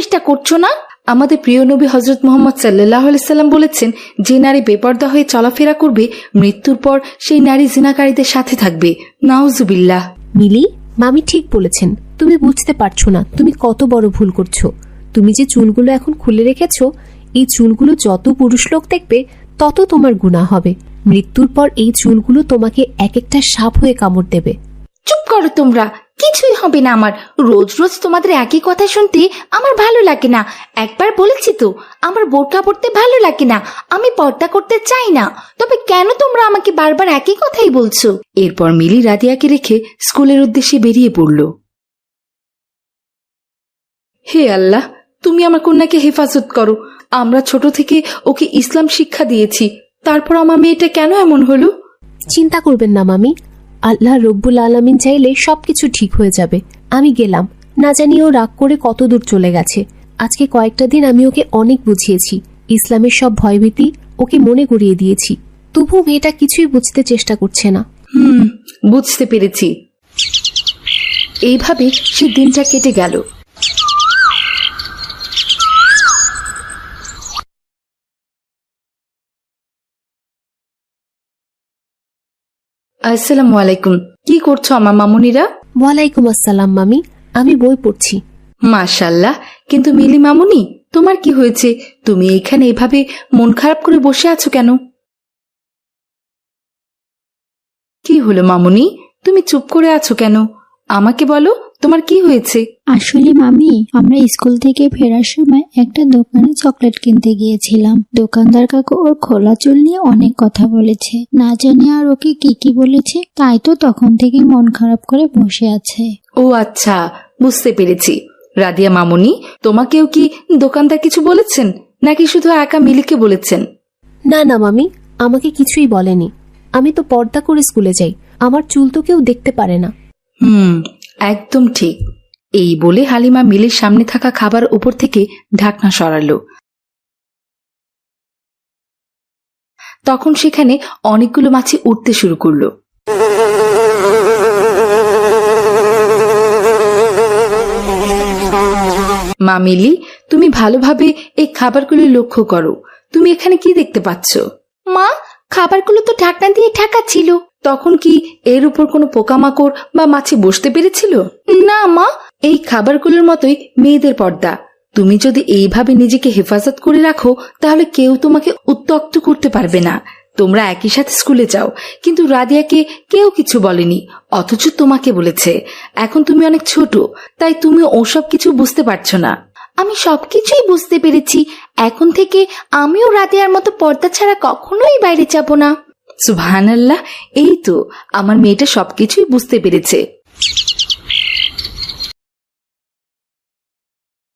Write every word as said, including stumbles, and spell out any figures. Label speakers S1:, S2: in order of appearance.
S1: চেষ্টা করছো না? আমাদের প্রিয় নবী হযরত মুহাম্মদ সাল্লাল্লাহু আলাইহি সাল্লাম বলেছেন, যে নারী বেপরদা হয়ে চলাফেরা করবে মৃত্যুর পর সেই নারী জিনাকারীদের সাথে থাকবে। নাউজুবিল্লাহ।
S2: মিলি, মামি ঠিক বলেছেন। তুমি বুঝতে পারছো না তুমি কত বড় ভুল করছো। তুমি যে চুলগুলো এখন খুলে রেখেছো, এই চুলগুলো যত পুরুষ লোক দেখবে তত তোমার গুনাহ হবে। মৃত্যুর পর এই চুলগুলো তোমাকে এক একটা সাপ হয়ে কামড় দেবে।
S1: চুপ করো তোমরা, কিছুই হবে না আমার। রোজ রোজ তোমাদের একই কথা শুনতে আমার ভালো লাগে না। একবার বলেছি তো, আমার বোরকা পরতে ভালো লাগে না, আমি পর্দা করতে চাই না। তবে কেন তোমরা আমাকে বারবার একই কথাই বলছো? এরপর মিলি রাদিয়াকে রেখে স্কুলের উদ্দেশ্যে বেরিয়ে পড়ল। হে আল্লাহ, তুমি আমার কন্যাকে হেফাজত করো। আমরা ছোট থেকে ওকে ইসলাম শিক্ষা দিয়েছি, তারপর আমার মেয়েটা কেন এমন হলো?
S2: চিন্তা করবেন না মামি, আল্লাহ রব্বুল আলামিন চাইলে সবকিছু ঠিক হয়ে যাবে। আমি গেলাম, না জানি ও রাগ করে কত দূর চলে গেছে। আজকে কয়েকটা দিন আমি ওকে অনেক বুঝিয়েছি, ইসলামের সব ভয়ভীতি ওকে মনে করিয়ে দিয়েছি, তবু মেয়েটা কিছুই বুঝতে চেষ্টা করছে না।
S1: হুম, বুঝতে পেরেছি। এইভাবে সে দিনটা কেটে গেল। আসসালামু আলাইকুম। কি করছো আমার মামুনিরা?
S2: ওয়ালাইকুম আসসালাম মামি, আমি বই পড়ছি।
S1: মাশাআল্লাহ। কিন্তু মিলি মামুনি, তোমার কি হয়েছে? তুমি এখানে এভাবে মন খারাপ করে বসে আছো কেন? কি হলো মামুনি, তুমি চুপ করে আছো কেন? আমাকে বলো, তোমার কি হয়েছে?
S3: আসলে মামি, আমরা স্কুল থেকে ফেরার সময় একটা দোকানে চকলেট কিনতে গিয়েছিলাম। দোকানদার কাকু ওর খোলা চুল নিয়ে অনেক কথা বলেছে, না জানি আর ওকে কি কি বলেছে, তাই তো তখন থেকে মন খারাপ করে বসে আছে।
S1: ও আচ্ছা, বুঝতে পেরেছি। রাদিয়া মামুনি, তোমাকেও কি দোকানদার কিছু বলেছেন, নাকি শুধু একা মিলিকে বলেছেন?
S2: না না মামি, আমাকে কিছুই বলেনি। আমি তো পর্দা করে স্কুলে যাই, আমার চুল তো কেউ দেখতে পারে না।
S1: হুম, একদম ঠিক। এই বলে হালিমা মিলের সামনে থাকা খাবার উপর থেকে ঢাকনা সরালো। তখন সেখানে অনেকগুলো মাছি উঠতে শুরু করলো। মা মিলি, তুমি ভালোভাবে এই খাবারগুলো লক্ষ্য করো। তুমি এখানে কি দেখতে পাচ্ছ? মা, খাবারগুলো তো ঢাকনা দিয়ে ঢাকা ছিল। তখন কি এর উপর কোনো পোকামাকড় বা মাছি বসতে পেরেছিল? না মা, এই খাবারগুলোর মতোই মেয়েদের পর্দা। তুমি যদি এইভাবে নিজেকে হেফাজত করে রাখো, তাহলে কেউ তোমাকে উত্ত্যক্ত করতে পারবে না। তোমরা একই সাথে স্কুলে যাও, কিন্তু রাদিয়াকে কেউ কিছু বলেনি, অথচ তোমাকে বলেছে। এখন তুমি অনেক ছোট, তাই তুমি ওসব কিছু বুঝতে পারছো না। আমি সবকিছুই বুঝতে পেরেছি। এখন থেকে আমিও রাদিয়ার মতো পর্দা ছাড়া কখনোই বাইরে যাব না। সুবহানাল্লাহ, এই তো আমার মেয়েটা সবকিছুই বুঝতে পেরেছে।